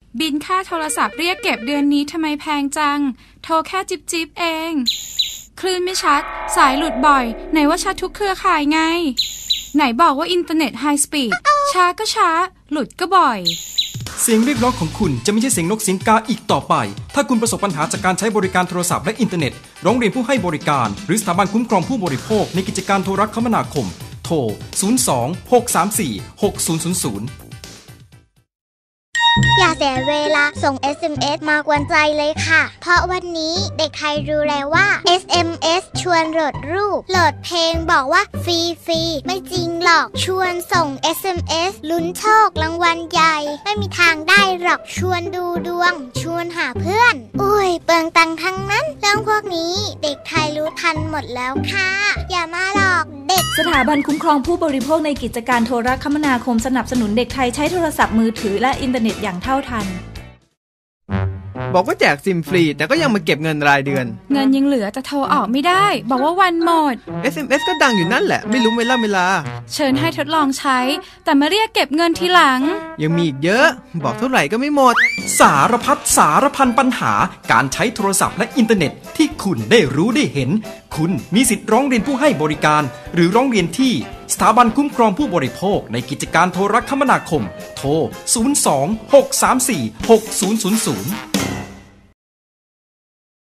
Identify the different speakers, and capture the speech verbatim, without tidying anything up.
Speaker 1: บินค่าโทรศัพท์เรียกเก็บเดือนนี้ทำไมแพงจังโทรแค่จิบจิบเองคลื่นไม่ชัดสายหลุดบ่อยไหนว่าชัดทุกเครือข่ายไงไหนบอกว่าอินเทอร์เน็ตไฮสปีดช้าก็ช้าหลุดก็บ่อย
Speaker 2: เสียงเรียกร้องของคุณจะไม่ใช่เสียงนกเสียงกาอีกต่อไปถ้าคุณประสบปัญหาจากการใช้บริการโทรศัพท์และอินเทอร์เน็ตร้องเรียนผู้ให้บริการหรือสถาบันคุ้มครองผู้บริโภคในกิจการโทรคมนาคมโทรศูนย์ สอง หก สาม สี่ หก ศูนย์ ศูนย์ ศูนย์
Speaker 3: อย่าเสียเวลาส่ง เอส เอ็ม เอส มากวนใจเลยค่ะเพราะวันนี้เด็กไทยรู้แล้วว่า เอส เอ็ม เอส ชวนโหลดรูปโหลดเพลงบอกว่าฟรีฟรีไม่จริงหรอกชวนส่ง เอส เอ็ม เอส ลุ้นโชครางวัลใหญ่ไม่มีทางได้หรอกชวนดูดวงชวนหาเพื่อนอุ้ยเปลืองตังค์ทั้งนั้นเรื่องพวกนี้เด็กไทยรู้ทันหมดแล้วค่ะอย่ามาหลอกเด็ก
Speaker 4: สถาบันคุ้มครองผู้บริโภคในกิจการโทรคมนาคมสนับสนุนเด็กไทยใช้โทรศัพท์มือถือและอินเทอร์เน็ตอย่างเท่าทัน
Speaker 5: บอกว่าแจกซิมฟรีแต่ก็ยังมาเก็บเงินรายเดือน
Speaker 1: เงินยังเหลือแต่โทรออกไม่ได้บอกว่าวันหมด
Speaker 5: เอส เอ็ม เอส ก็ดังอยู่นั่นแหละไม่รู้เวลาเวลา
Speaker 1: เชิญให้ทดลองใช้แต่มาเรียกเก็บเงินทีหลัง
Speaker 5: ยังมีอีกเยอะบอกเท่าไหร่ก็ไม่หมด
Speaker 2: สารพัดสารพันปัญหาการใช้โทรศัพท์และอินเทอร์เน็ตที่คุณได้รู้ได้เห็นคุณมีสิทธิ์ร้องเรียนผู้ให้บริการหรือร้องเรียนที่สถาบันคุ้มครองผู้บริโภคในกิจการโทรคมนาคมโทรศูนย์ สอง หก สาม สี่ หก ศูนย์ ศูนย์ ศูนย์